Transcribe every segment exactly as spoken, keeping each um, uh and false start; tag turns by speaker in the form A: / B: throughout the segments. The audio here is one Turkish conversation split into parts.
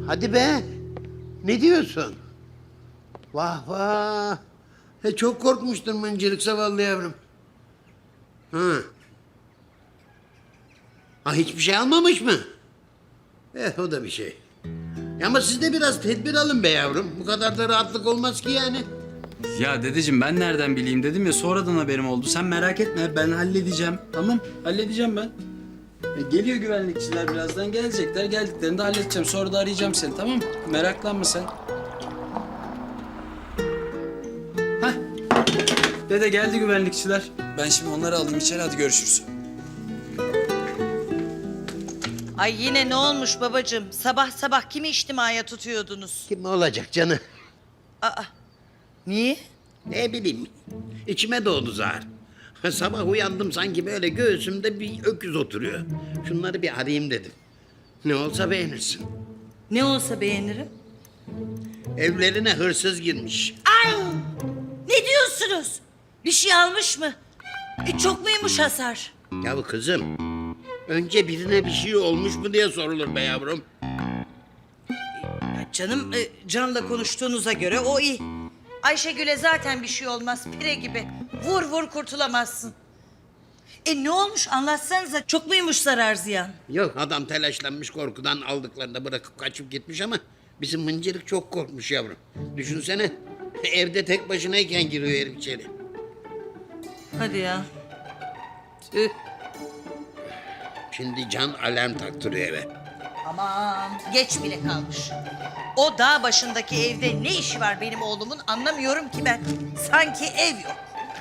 A: Hadi be. Ne diyorsun? Vah vah. He, çok korkmuştun mıncırık zavallı yavrum. Hı. Ha, hiçbir şey almamış mı? Eh, o da bir şey. Ama siz de biraz tedbir alın be yavrum. Bu kadar da rahatlık olmaz ki yani.
B: Ya dedeciğim ben nereden bileyim dedim ya, sonradan haberim oldu. Sen merak etme, ben halledeceğim. Tamam, halledeceğim ben. E, geliyor güvenlikçiler, birazdan gelecekler. Geldiklerinde halledeceğim. Sonra da arayacağım seni, tamam mı? Meraklanma sen. Hah. Dede geldi güvenlikçiler. Ben şimdi onları alayım içeri, hadi görüşürüz.
C: Ay yine ne olmuş babacığım? Sabah sabah kimi içtimaya tutuyordunuz?
A: Kim olacak canı?
C: Aa, niye?
A: Ne bileyim. İçime doğdu zar. Sabah uyandım sanki böyle göğsümde bir öküz oturuyor. Şunları bir arayayım dedim. Ne olsa beğenirsin.
C: Ne olsa beğenirim.
A: Evlerine hırsız girmiş.
C: Ay! Ne diyorsunuz? Bir şey almış mı? E, çok muymuş hasar?
A: Ya kızım, önce birine bir şey olmuş mu diye sorulur be yavrum.
C: Ya canım, e, Can'la konuştuğunuza göre o iyi. Ayşegül'e zaten bir şey olmaz, pire gibi. Vur vur kurtulamazsın. E ne olmuş anlatsanıza, çok muymuş zarar ziyan?
A: Yok, adam telaşlanmış, korkudan aldıklarını da bırakıp kaçıp gitmiş ama bizim mıncırık çok korkmuş yavrum. Düşünsene, evde tek başınayken giriyor herif içeri.
C: Hadi ya. Tüh.
A: Şimdi Can alarm taktırıyor eve.
C: Aman geç bile kalmış. O dağ başındaki evde ne işi var benim oğlumun anlamıyorum ki ben. Sanki ev yok.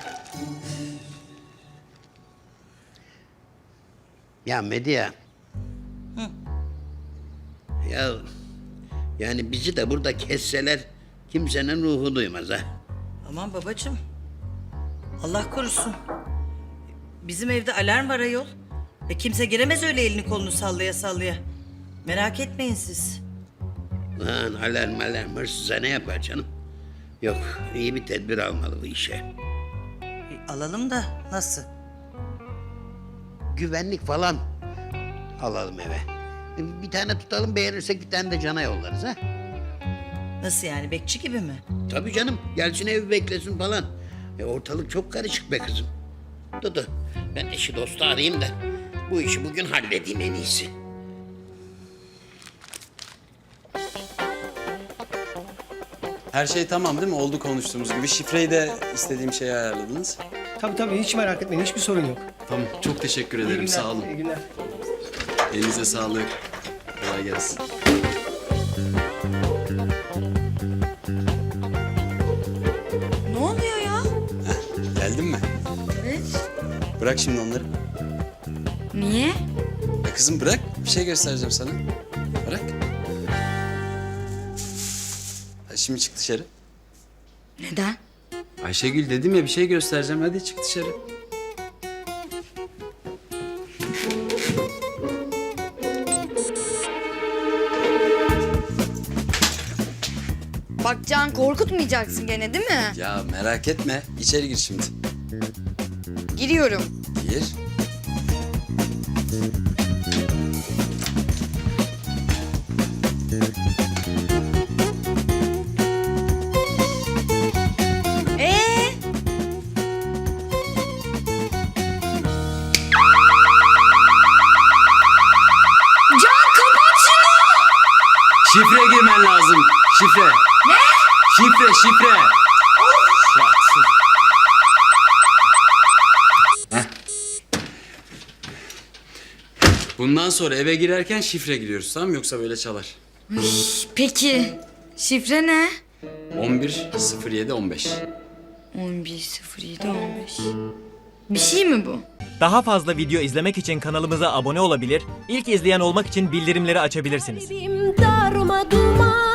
A: Ya Medya.
C: Hı.
A: Ya yani bizi de burada kesseler kimsenin ruhu duymaz ha.
C: Aman babacığım. Allah korusun. Bizim evde alarm var ayol. E kimse giremez öyle elini kolunu sallaya sallaya. Merak etmeyin siz.
A: Lan alarm alarm hırsıza ne yapar canım? Yok, iyi bir tedbir almalı bu işe.
C: E, alalım da nasıl?
A: Güvenlik falan alalım eve. Bir tane tutalım, beğenirsek bir tane de Can'a yollarız ha.
C: Nasıl yani, bekçi gibi mi?
A: Tabii canım, gelsin evi beklesin falan. E, ortalık çok karışık be kızım. Dudu, ben eşi dostu arayayım da bu işi bugün halledeyim en iyisi.
B: Her şey tamam değil mi? Oldu konuştuğumuz gibi. Şifreyi de istediğim şeye ayarladınız.
D: Tabii tabii, hiç merak etmeyin, hiçbir sorun yok.
B: Tamam, çok teşekkür
D: İyi
B: ederim.
D: günler,
B: Sağ olun.
D: İyi günler.
B: Elinize sağlık. Kolay gelsin.
C: Ne oluyor ya?
B: Geldin mi?
C: Evet.
B: Bırak şimdi onları.
E: Niye?
B: Ya kızım bırak, bir şey göstereceğim sana. Bırak. Hadi şimdi çık dışarı.
E: Neden?
B: Ayşegül dedim ya, bir şey göstereceğim. Hadi çık dışarı.
E: Bak Can, korkutmayacaksın gene değil mi?
B: Ya merak etme. İçeri gir şimdi.
E: Giriyorum.
B: Gir.
E: Ee? Can, kapat şunu!
B: Şifre girmen lazım. Şifre.
E: Ne?
B: Şifre, şifre. Heh. Bundan sonra eve girerken şifre giriyoruz, tamam mı? Yoksa böyle çalar.
E: Peki, şifre ne?
B: on bir sıfır yedi on beş.
E: on bir sıfır yedi on beş. Bir şey mi bu?
F: Daha fazla video izlemek için kanalımıza abone olabilir, ilk izleyen olmak için bildirimleri açabilirsiniz.
G: Darma duman